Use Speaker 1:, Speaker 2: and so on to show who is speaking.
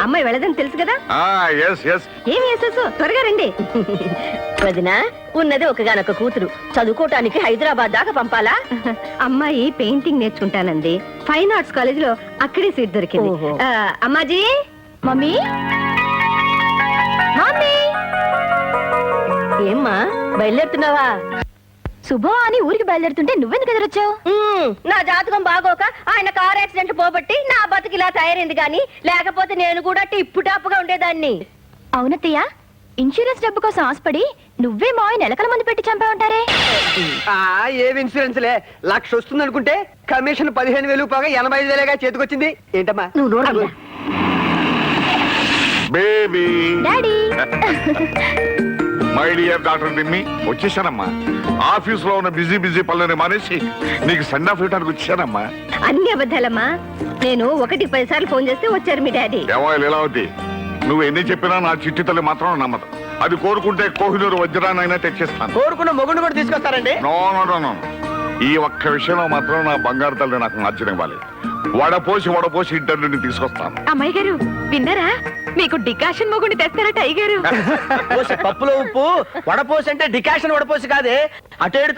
Speaker 1: అమ్మాయి వెళ్ళదని తెలుసు కదా. ఏమి వేసేసు త్వరగా రండి.
Speaker 2: వదినా, ఉన్నది ఒకగానొక కూతురు, చదువుకోవటానికి హైదరాబాద్ దాకా పంపాలా?
Speaker 1: అమ్మాయి పెయింటింగ్ నేర్చుకుంటానండి. ఫైన్ ఆర్ట్స్ కాలేజ్ లో అక్కడే సీట్ దొరికింది. అమ్మాజీ.
Speaker 2: మమ్మీ మమ్మీ, ఏమ్మా బయలుదేరుతున్నావా? శుభం అని ఊరికి బయలుదేరుతుంటే నువ్వెందుకు ఎదురొచ్చావు? నా జాతకం బాగోక ఆయన కార్ యాక్సిడెంట్ పోబట్టి నా బతుకు ఇలా తయారైంది, గాని లేకపోతే నేను కూడా టిప్పు టాప్గా ఉండేదాన్ని. అవునత్తయ్య, ఇన్సూరెన్స్ డబ్బు కోసం ఆశపడి నువ్వే మావి నెలకల మంది పెట్టి చంపా ఉంటారే.
Speaker 3: ఏవి ఇన్సూరెన్స్ లే, 1,00,000 వస్తుంది అనుకుంటే కమిషన్ 15,000 పోగా 85,000గా చేతికొచ్చింది. ఏంటమ్మా
Speaker 2: నువ్వు నోడు.
Speaker 4: Baby
Speaker 2: daddy.
Speaker 4: My dear doctor దిమ్మి, వచ్చేసానమ్మా. ఆఫీస్ లో ఉన్న బిజీ పనులని మానేసి నీకు సెండ్ ఆఫ్ ఇవ్వడానికి వచ్చానమ్మా.
Speaker 1: అన్ని అబద్ధాలమ్మా. నేను 1-10 సార్లు ఫోన్ చేస్తే వచ్చారు మీ డాడీ.
Speaker 4: ఏమో లీలావతి, నువ్వు ఎన్ని చెప్పినా నా చిట్టి తల్లి మాత్రం నమ్మదు. అది కోరుకుంటే కోహినూరు వజ్రాన్నైనా తెచ్చిస్తాను.
Speaker 3: కోరుకున్న మొగుడు కూడా తీసుకొస్తారండి.
Speaker 4: నో నో నో నో, ఈ ఒక్క విషయంలో మాత్రం నా బంగారు తల్లి నాకు నచ్చనివ్వాలి. వడపోసి ఇంటర్వ్యూని తీసుకొస్తాను.
Speaker 1: అమ్మాయి గారు విన్నారా? మీకు డికాషన్ మొగుండి తెస్తారట అయ్య గారు.
Speaker 3: పప్పులో ఉప్పు వడపోసి అంటే డికాషన్ వడపోసి కాదే, అటు